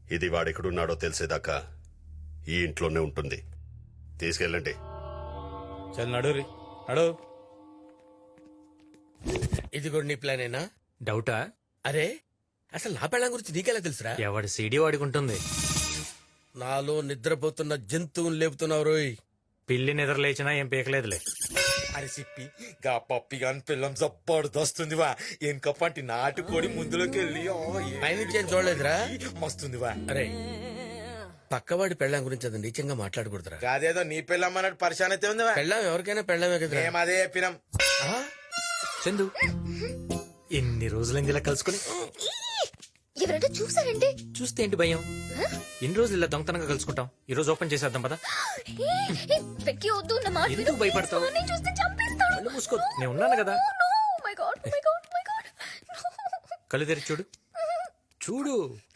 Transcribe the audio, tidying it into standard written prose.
ఇది వాడెక్కడున్నాడో తెలిసేదాకా ఈ ఇంట్లోనే ఉంటుంది. తీసుకెళ్ళండి. చల్ నడు రీ నడు. ఇది కూడా నీ ప్లానేనా? డౌటా? అరే అసలు నా పెళ్ళం గురించి నీకెలా తెలుసురా? ఎవడి సీడీ వాడికి ఉంటుంది. నాలో నిద్రపోతున్న జంతువుని లేపుతున్నావు రోయ్. పిల్లి నిద్ర లేచినా ఏం పీకలేదులే. అరే సిప్పి గా పప్పి గాని పిల్లం జబ్బర్దొస్తుంది వా. ఎనకప్పంటి నాటుకోడి ముందులోకి వెళ్ళి పైనుంచి ఏం చూడలేదురా? మస్తుంది వా. అరే పక్కవాడి పెళ్ళం గురించి అది నీచంగా మాట్లాడకూడదురా. కాదేదో నీ పిల్లం అన్నట్టు పరిశాన్ అయితే ఉంది వా. పెళ్ళం ఎవరికైనా పెళ్ళమే కదా. మేము అదే చెప్పినాం. చందు ఎన్ని రోజులైంది ఇలా కలుసుకుని? ఎవరంటే చూసారంటే చూస్తే ఏంటి భయం? ఎన్ని రోజులు ఇలా దొంగతనంగా కలుసుకుంటాం. ఈ రోజు ఓపెన్ చేసేద్దాం పదా. వెక్కి వద్దు నా మాట విను. ఎందుకు భయపడతావు? నన్ను చూస్తే చంపేస్తాడు. కళ్ళు మూసుకో, నేను ఉన్నాను కదా. Oh my God, oh my God, oh my God. కళ్ళు తెరిచి చూడు. చూడు.